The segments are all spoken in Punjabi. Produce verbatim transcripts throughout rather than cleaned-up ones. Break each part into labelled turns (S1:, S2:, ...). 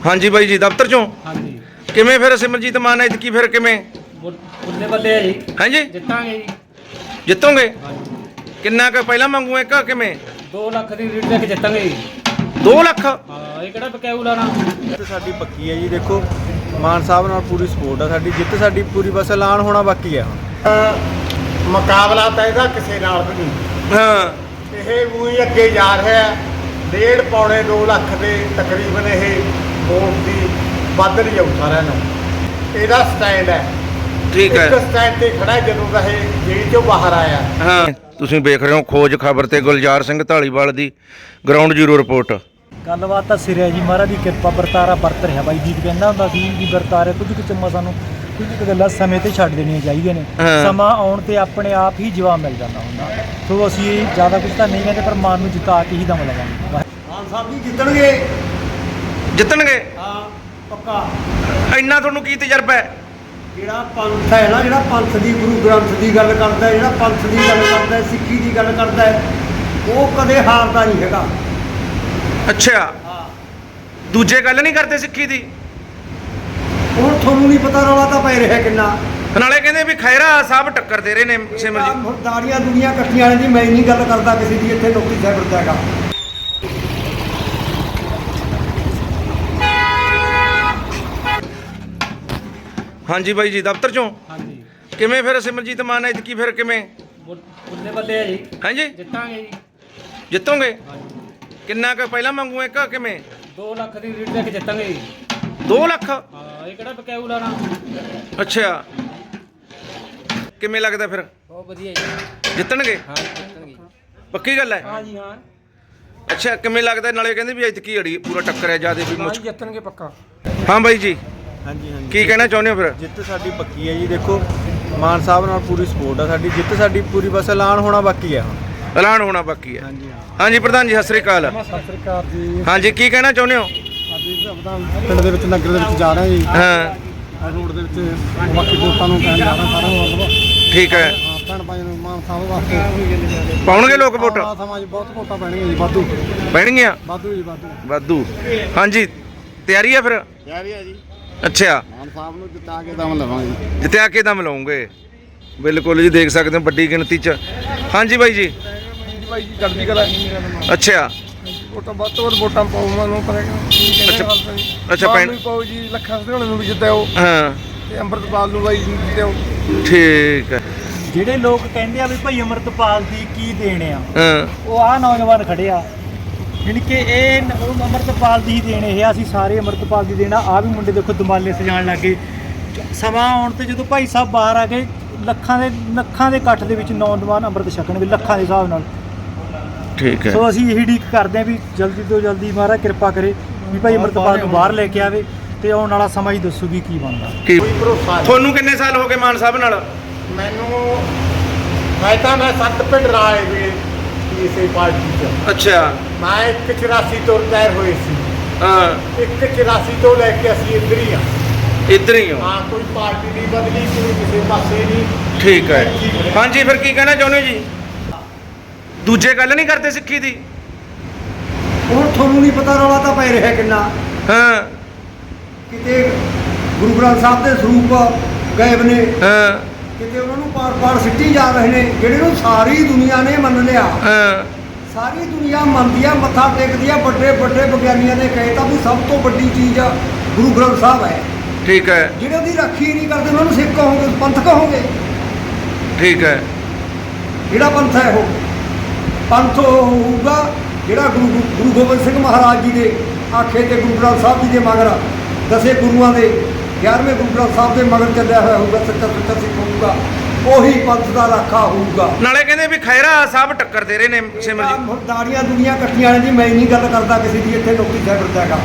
S1: हाँ जी बाई जी दफ्तर चों
S2: हाँ जी
S1: किवें फिर सिमरजीत मान ऐतकी फिर किवें
S2: बुल्ले बल्ले है जी
S1: हैं जी
S2: जितांगे जी
S1: जितोगे
S2: हाँ जी
S1: किन्ना क पहला मंगू एक किवें
S2: दो ਲੱਖ ਦੀ ਰੀਡ ਲੈ ਕੇ ਜਿੱਤਾਂਗੇ ਜੀ
S1: दो लख
S2: ਹਾਂ ਇਹ ਕਿਹੜਾ ਬਕਾਊ ਲਾਣਾ
S3: ਜਿੱਤ ਸਾਡੀ ਪੱਕੀ ਹੈ ਜੀ। ਦੇਖੋ ਮਾਨ ਸਾਹਿਬ ਨਾਲ ਪੂਰੀ ਸਪੋਰਟ ਆ ਸਾਡੀ। ਜਿੱਤ ਸਾਡੀ ਪੂਰੀ, ਬਸ ਐਲਾਨ ਹੋਣਾ ਬਾਕੀ ਹੈ ਹੁਣ।
S4: ਮੁਕਾਬਲਾ ਤਾਂ ਇਹਦਾ ਕਿਸੇ ਨਾਲ ਵੀ ਨਹੀਂ।
S1: हाँ
S4: ਇਹ ਉਹੀ ਅੱਗੇ ਜਾ ਰਿਹਾ ਹੈ। ਡੇਢ ਪੌਣੇ ਦੋ ਲੱਖ ਦੇ ਤਕਰੀਬਨ ਇਹ ਵੋਟ ਦੀ ਵੱਧ ਰਹੀ ਜਾਊ ਸਾਰਿਆਂ ਨੂੰ। ਇਹਦਾ ਸਟੈਂਡ ਹੈ
S1: ठीक है
S4: ਇੱਕ ਸਟੈਂਡ ਤੇ ਖੜਾ ਹੈ ਜਦੋਂ ਦਾ ਇਹ ਜੇਲ੍ਹ ਚੋਂ ਬਾਹਰ ਆਇਆ।
S1: ਹਾਂ ਤੁਸੀਂ ਵੇਖ ਰਹੇ ਹੋ ਖੋਜ ਖਬਰ ਤੇ ਗੁਲਜ਼ਾਰ ਸਿੰਘ ਢਾਲੀਵਾਲ ਦੀ ਗਰਾਊਂਡ ਜ਼ੀਰੋ ਰਿਪੋਰਟ।
S5: ਗੱਲਬਾਤ ਤਾਂ ਸਿਰੇ ਜੀ, ਮਹਾਰਾਜ ਦੀ ਕਿਰਪਾ ਵਰਤਾਰਾ ਵਰਤ ਰਿਹਾ। ਬਾਈ ਜੀਤ ਕਹਿੰਦਾ ਹੁੰਦਾ ਸੀ ਵੀ ਵਰਤਾਰੇ ਕੁਝ ਕੁ ਚੰਮਾ ਸਾਨੂੰ ਕੁਝ ਕੁ ਗੱਲਾਂ ਸਮੇਂ ਤੇ ਛੱਡ ਦੇਣੀਆਂ ਚਾਹੀਦੀਆਂ ਨੇ।
S1: ਹਾਂ।
S5: ਸਮਾਂ ਆਉਣ ਤੇ ਆਪਣੇ ਆਪ ਹੀ ਜਵਾਬ ਮਿਲ ਜਾਂਦਾ ਹੁੰਦਾ। ਸੋ ਅਸੀਂ ਜ਼ਿਆਦਾ ਕੁਝ ਤਾਂ ਨਹੀਂ ਕਹਿੰਦੇ, ਪਰ ਮਾਨ ਨੂੰ ਜਿਤਾ ਕੇ ਹੀ ਦਮ ਲਗਾਂਗੇ।
S4: ਮਾਨ ਸਾਹਿਬ ਜੀ ਜਿੱਤਣਗੇ।
S1: ਜਿੱਤਣਗੇ
S4: ਹਾਂ ਪੱਕਾ।
S1: ਇੰਨਾ ਤੁਹਾਨੂੰ ਕੀ ਤਜਰਬਾ ਹੈ?
S4: ਜਿਹੜਾ ਪੰਥ ਹੈ ਨਾ, ਜਿਹੜਾ ਪੰਥ ਦੀ ਗੁਰੂ ਗ੍ਰੰਥ ਦੀ ਗੱਲ ਕਰਦਾ ਹੈ, ਜਿਹੜਾ ਪੰਥ ਦੀ ਗੱਲ ਕਰਦਾ ਹੈ, ਸਿੱਖੀ ਦੀ ਗੱਲ ਕਰਦਾ ਹੈ, ਉਹ ਕਦੇ ਹਾਰਦਾ ਨਹੀਂ ਹੈਗਾ।
S1: ਅੱਛਾ
S4: ਹਾਂ
S1: ਦੂਜੇ ਗੱਲ ਨਹੀਂ ਕਰਦੇ ਸਿੱਖੀ ਦੀ?
S4: ਹੁਣ ਤੁਹਾਨੂੰ ਨਹੀਂ ਪਤਾ ਰੌਲਾ ਤਾਂ ਪੈ ਰਿਹਾ ਕਿੰਨਾ।
S1: ਨਾਲੇ ਕਹਿੰਦੇ ਵੀ ਖੈਰਾ ਸਾਹਿਬ ਟੱਕਰ ਦੇ ਰਹੇ ਨੇ ਸਿਮਰਜੀਤ।
S4: ਹੁਣ ਦਾੜੀਆਂ ਦੁਨੀਆਂ ਇਕੱਠੀਆਂ ਵਾਲੇ ਦੀ ਮੈਂ ਨਹੀਂ ਗੱਲ ਕਰਦਾ ਕਿਸੇ ਦੀ। ਇੱਥੇ ਨੌਕਰੀ ਸਾਹਿਬ ਫਿਰਦਾ ਹੈਗਾ।
S1: हाँ जी बाई जी दफ्तर चों
S2: हाँ जी
S1: किवें फिर सिमरजीत मान ऐतकी फिर किवें
S2: बुल्ले बल्ले है जी
S1: हैं जी
S2: ਜਿੱਤਾਂਗੇ ਜੀ
S1: जितोगे
S2: हाँ जी
S1: किन्ना क पहला मंगू एक किवें
S2: ਦੋ ਲੱਖ ਦੀ ਰੀਡ ਲੈ ਕੇ ਜਿੱਤਾਂਗੇ ਜੀ
S1: दो लख
S2: ਹਾਂ ਇਹ ਕਿਹੜਾ ਬਕਾਊ ਲਾਣਾ
S1: अच्छा किवें लगदा फिर
S2: ਬਹੁਤ ਵਧੀਆ ਜੀ
S1: जितणगे
S2: ਹਾਂ ਜਿੱਤਣਗੇ
S1: पक्की गल है?
S2: ਹਾਂ ਜੀ ਹਾਂ
S1: अच्छा किवें लगदा? नाले कहंदे भी ऐतकी अड़ी पूरा टक्कर है ज्यादा भी मुश्किल।
S2: ਜਿੱਤਣਗੇ ਪੱਕਾ
S1: हाँ बाई जी
S3: ਹਾਂਜੀ ਹਾਂਜੀ
S1: की कहना चाहुंदे हो फिर?
S3: ਜਿੱਤ ਸਾਡੀ ਪੱਕੀ ਹੈ ਜੀ। ਦੇਖੋ ਮਾਨ ਸਾਹਿਬ ਨਾਲ ਪੂਰੀ ਸਪੋਰਟ ਆ ਸਾਡੀ। ਜਿੱਤ ਸਾਡੀ ਪੂਰੀ, ਬਸ ਐਲਾਨ ਹੋਣਾ ਬਾਕੀ ਹੈ ਹੁਣ।
S1: ऐलान होना बाकी है।
S3: ਹਾਂਜੀ ਹਾਂ।
S1: हाँ जी प्रधान जी सत श्री अकाल।
S4: ਸਤਿ ਸ੍ਰੀ ਅਕਾਲ ਜੀ।
S1: हाँ जी की कहना चाहुंदे हो?
S4: ਅੱਜ ਆਪਣਾ ਪਿੰਡ ਦੇ ਵਿੱਚ ਨਗਰ ਦੇ ਵਿੱਚ ਜਾ ਰਹੇ ਜੀ।
S1: हाँ
S4: ਰੋਡ ਦੇ ਵਿੱਚ ਬਾਕੀ ਦੋਸਤਾਂ ਨੂੰ ਕਹਿਣ ਜਾ ਰਿਹਾ ਸਾਰਿਆਂ ਨੂੰ।
S1: ठीक है
S4: ਹਾਂ ਭੈਣ ਭਾਈ ਨੂੰ ਮਾਨ ਸਾਹਿਬ ਵਾਸਤੇ
S1: ਪਾਉਣਗੇ ਲੋਕ ਵੋਟ?
S4: ਆਹ ਸਮਾਜ ਬਹੁਤ ਵੋਟਾਂ ਪੈਣਗੀਆਂ ਜੀ। ਵਾਧੂ
S1: ਪੈਣਗੀਆਂ
S4: ਵਾਧੂ ਜੀ ਵਾਧੂ।
S1: ਵਾਧੂ। हाँ ਜੀ ਤਿਆਰੀ ਹੈ ਫਿਰ?
S4: ਤਿਆਰੀ ਹੈ ਜੀ।
S1: ਅੱਛਾ
S4: ਮਾਨ ਸਾਹਿਬ ਨੂੰ ਜਿੱਤਾ ਕੇ ਦਮ ਲਵਾਂਗੇ।
S1: ਜਿੱਤਿਆ ਕੇ ਦਮ ਲਾਉਂਗੇ। ਬਿਲਕੁਲ ਜੀ ਦੇਖ ਸਕਦੇ ਹੋ ਵੱਡੀ ਗਿਣਤੀ ਚ। ਹਾਂਜੀ ਬਾਈ ਜੀ
S4: ਭਾਈ ਜੀ ਕਰਦੀ ਕਲਾ
S1: ਅੱਛਾ
S4: ਵੋਟਾਂ ਵੱਧ ਤੋਂ ਵੱਧ ਵੋਟਾਂ ਪਾਉ ਮੈਨੂੰ ਪਰ
S1: ਅੱਛਾ ਅੱਛਾ ਭੈਣ
S4: ਪਾਉ ਜੀ। ਲੱਖਾਂ ਸਧਾਰਨ ਨੂੰ ਵੀ ਜਿੱਤਿਓ
S1: ਹਾਂ
S4: ਤੇ ਅੰਮ੍ਰਿਤਪਾਲ ਨੂੰ ਬਾਈ ਜੀ ਜਿੱਤਿਓ।
S1: ਠੀਕ ਹੈ
S5: ਜਿਹੜੇ ਲੋਕ ਕਹਿੰਦੇ ਆ ਵੀ ਭਾਈ ਅਮਰਤਪਾਲ ਦੀ ਕੀ ਦੇਣ ਆ,
S1: ਹਾਂ
S5: ਉਹ ਆ ਨੌਜਵਾਨ ਖੜੇ ਆ। ਯਾਨੀ ਕਿ ਇਹ ਨ- ਉਹ ਅਮਰਤਪਾਲ ਦੀ ਹੀ ਦੇਣ ਇਹ ਆ। ਅਸੀਂ ਸਾਰੇ ਅਮਰਤਪਾਲ ਦੀ ਦੇਣਾ। ਆ ਵੀ ਮੁੰਡੇ ਦੇਖੋ ਦਮਾਲੇ ਸਜਾਉਣ ਲੱਗੇ। ਸਮਾਂ ਆਉਣ ਤੇ ਜਦੋਂ ਭਾਈ ਸਾਹਿਬ ਬਾਹਰ ਆ ਗਏ, ਲੱਖਾਂ ਦੇ ਲੱਖਾਂ ਦੇ ਇਕੱਠ ਦੇ ਵਿੱਚ ਨੌਜਵਾਨ ਅੰਮ੍ਰਿਤ ਛਕਣਗੇ ਲੱਖਾਂ ਦੇ ਹਿਸਾਬ ਨਾਲ।
S1: ਠੀਕ ਹੈ
S5: ਸੋ ਅਸੀਂ ਇਹੀ ਉਡੀਕ ਕਰਦੇ ਹਾਂ ਵੀ ਜਲਦੀ ਤੋਂ ਜਲਦੀ ਮਹਾਰਾਜ ਕਿਰਪਾ ਕਰੇ ਵੀ ਭਾਈ ਅਮਰਤਪਾਲ ਨੂੰ ਬਾਹਰ ਲੈ ਕੇ ਆਵੇ ਤੇ ਆਉਣ ਵਾਲਾ ਸਮਾਂ ਹੀ ਦੱਸੂ ਵੀ ਕੀ ਬਣਦਾ।
S1: ਕੀ
S4: ਕੋਈ ਭਰੋਸਾ ਨਹੀਂ
S1: ਤੁਹਾਨੂੰ ਕਿੰਨੇ ਸਾਲ ਹੋ ਗਏ ਮਾਨ ਸਾਹਿਬ ਨਾਲ?
S4: ਮੈਨੂੰ। ਮੈਂ ਤਾਂ ਮੈਂ ਸੱਤ ਪਿੰਡ ਰਾਏ ਵੀ ਇਸੇ ਪਾਰਟੀ 'ਚ।
S1: ਅੱਛਾ
S4: ਮੈਂ ਇੱਕ ਚੁਰਾਸੀ ਤੋਂ ਰਿਟਾਇਰ ਹੋਏ ਸੀ।
S1: ਹਾਂ
S4: ਇੱਕ ਚੁਰਾਸੀ ਤੋਂ ਲੈ ਕੇ ਅਸੀਂ ਇੱਧਰ ਹੀ ਆ।
S1: ਇੱਧਰ ਹੀ ਹੋ?
S4: ਹਾਂ ਕੋਈ ਪਾਰਟੀ ਨਹੀਂ ਬਦਲੀ, ਕੋਈ ਕਿਸੇ ਪਾਸੇ ਨਹੀਂ।
S1: ਠੀਕ ਹੈ ਹਾਂਜੀ ਫਿਰ ਕੀ ਕਹਿਣਾ ਚਾਹੁੰਦੇ ਹੋ ਜੀ? ਦੂਜੇ ਗੱਲ ਨਹੀਂ ਕਰਦੇ ਸਿੱਖੀ ਦੀ?
S4: ਹੁਣ ਤੁਹਾਨੂੰ ਨਹੀਂ ਪਤਾ ਰੌਲਾ ਤਾਂ ਪੈ ਰਿਹਾ ਕਿੰਨਾ।
S1: ਹਾਂ
S4: ਕਿਤੇ ਗੁਰੂ ਗ੍ਰੰਥ ਸਾਹਿਬ ਦੇ ਸਰੂਪ ਗਾਇਬ ਨੇ,
S1: ਹਾਂ
S4: ਕਿਤੇ ਉਹਨਾਂ ਨੂੰ ਪਾਰ-ਪਾਰ ਸਿੱਟੀ ਜਾ ਰਹੇ ਨੇ, ਜਿਹੜੇ ਨੂੰ ਸਾਰੀ ਦੁਨੀਆ ਨੇ ਮੰਨ ਲਿਆ।
S1: ਹਾਂ
S4: ਸਾਰੀ ਦੁਨੀਆ ਮੰਨਦੀ ਆ, ਮੱਥਾ ਟੇਕਦੀ ਆ। ਵੱਡੇ ਵੱਡੇ ਵਿਗਿਆਨੀਆਂ ਨੇ ਕਹੇ ਤਾਂ ਵੀ ਸਭ ਤੋਂ ਵੱਡੀ ਚੀਜ਼ ਗੁਰੂ ਗ੍ਰੰਥ ਸਾਹਿਬ ਹੈ।
S1: ਠੀਕ ਹੈ
S4: ਜਿਹੜੇ ਉਹਦੀ ਰਾਖੀ ਨਹੀਂ ਕਰਦੇ ਉਹਨਾਂ ਨੂੰ ਸਿੱਖ ਕਹੋਗੇ, ਪੰਥ ਕਹੋਗੇ?
S1: ਠੀਕ ਹੈ
S4: ਜਿਹੜਾ ਪੰਥ ਹੈ ਉਹ ਪੰਥ ਉਹ ਹੋਊਗਾ ਜਿਹੜਾ ਗੁਰੂ ਗੁਰੂ ਗੋਬਿੰਦ ਸਿੰਘ ਮਹਾਰਾਜ ਜੀ ਦੇ ਆਖੇ ਤੇ ਗੁਰੂ ਗ੍ਰੰਥ ਸਾਹਿਬ ਜੀ ਦੇ ਮਗਰ ਦਸੇ ਗੁਰੂਆਂ ਦੇ ਗਿਆਰਵੇਂ ਗੁਰੂ ਗ੍ਰੰਥ ਸਾਹਿਬ ਦੇ ਮਗਰ ਚੱਲਿਆ ਹੋਇਆ ਹੋਊਗਾ। ਸੱਚਾ ਸੁੱਚਾ ਸਿੱਖ ਹੋਊਗਾ, ਉਹੀ ਪੰਥ ਦਾ ਰਾਖਾ ਹੋਊਗਾ।
S1: ਨਾਲੇ ਕਹਿੰਦੇ ਵੀ ਖੈਰਾ ਸਾਹਿਬ ਟੱਕਰ ਦੇ ਰਹੇ ਨੇ ਸਿਮਰਜੀਤ।
S4: ਹੁਣ ਦਾੜੀਆਂ ਦੁਨੀਆਂ ਇਕੱਠੀਆਂ ਵਾਲੇ ਦੀ ਮੈਂ ਨਹੀਂ ਗੱਲ ਕਰਦਾ ਕਿਸੇ ਦੀ। ਇੱਥੇ ਨੌਕਰੀ ਸਾਹਿਬ ਫਿਰਦਾ ਹੈਗਾ।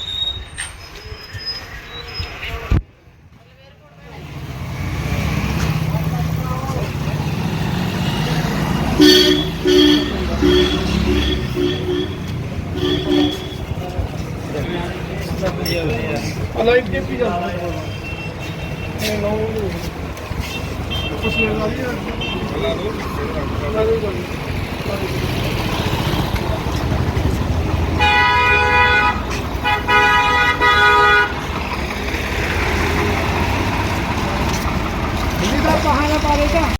S4: ਹਲੋ ਇੱਕ ਟਿੱਪੀ ਜਾਂਦਾ ਇਹ ਨੋ ਕੁਛ ਨਹੀਂ ਲੱਗਦਾ।